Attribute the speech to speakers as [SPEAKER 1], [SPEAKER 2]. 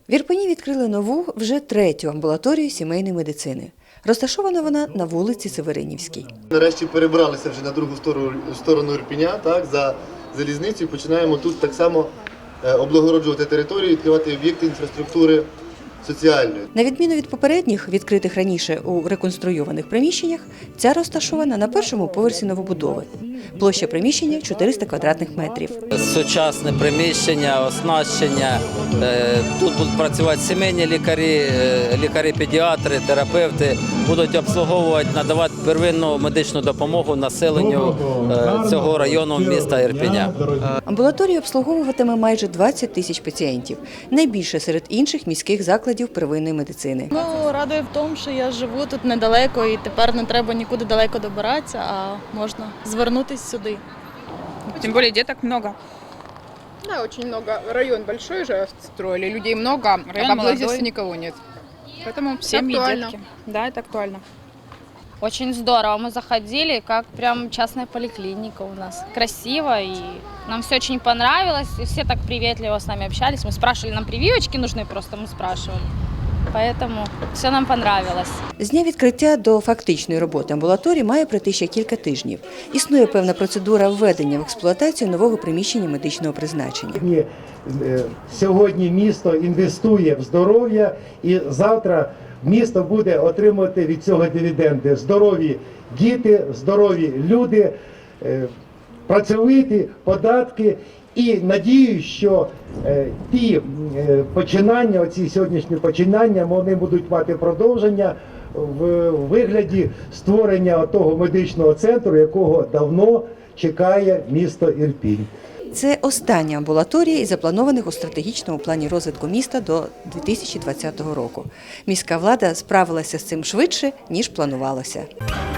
[SPEAKER 1] В Ірпені відкрили нову, вже третю амбулаторію сімейної медицини. Розташована вона на вулиці Северинівській.
[SPEAKER 2] Нарешті перебралися вже на другу сторону Ірпеня, так, за залізницю. Починаємо тут так само облагороджувати територію, відкривати об'єкти інфраструктури соціальної.
[SPEAKER 1] На відміну від попередніх, відкритих раніше у реконструйованих приміщеннях, ця розташована на першому поверсі новобудови. Площа приміщення – 400 квадратних метрів.
[SPEAKER 3] Сучасне приміщення, оснащення. Тут будуть працювати сімейні лікарі, лікарі-педіатри, терапевти. Будуть обслуговувати, надавати первинну медичну допомогу населенню цього району міста Ірпеня.
[SPEAKER 1] Амбулаторія обслуговуватиме майже 20 тисяч пацієнтів. Найбільше серед інших міських закладів первинної медицини.
[SPEAKER 4] Ну, радує в тому, що я живу тут недалеко і тепер не треба нікуди далеко добиратися, а можна звернутися сюди.
[SPEAKER 5] Тем более деток много.
[SPEAKER 6] Да, очень много. Район большой же строили, людей много,
[SPEAKER 5] Район
[SPEAKER 6] а поблизости
[SPEAKER 5] молодой.
[SPEAKER 6] никого нет. Поэтому
[SPEAKER 5] Семьи,
[SPEAKER 6] актуально.
[SPEAKER 5] детки. Да, это актуально.
[SPEAKER 7] Очень здорово. Мы заходили, как прям частная поликлиника у нас. Красиво, и нам все очень понравилось. И все так приветливо с нами общались. Мы спрашивали, нам прививочки нужны, просто мы спрашивали. Поэтому все нам понравилось.
[SPEAKER 1] З дня відкриття до фактичної роботи амбулаторії має пройти ще кілька тижнів. Існує певна процедура введення в експлуатацію нового приміщення медичного призначення.
[SPEAKER 8] Сьогодні місто інвестує в здоров'я, і завтра місто буде отримувати від цього дивіденди. Здорові діти, здорові люди, працьовиті, податки. І надію, що ті починання, оці сьогоднішні починання, вони будуть мати продовження в вигляді створення того медичного центру, якого давно чекає місто Ірпінь.
[SPEAKER 1] Це остання амбулаторія із запланованих у стратегічному плані розвитку міста до 2020 року. Міська влада справилася з цим швидше, ніж планувалося.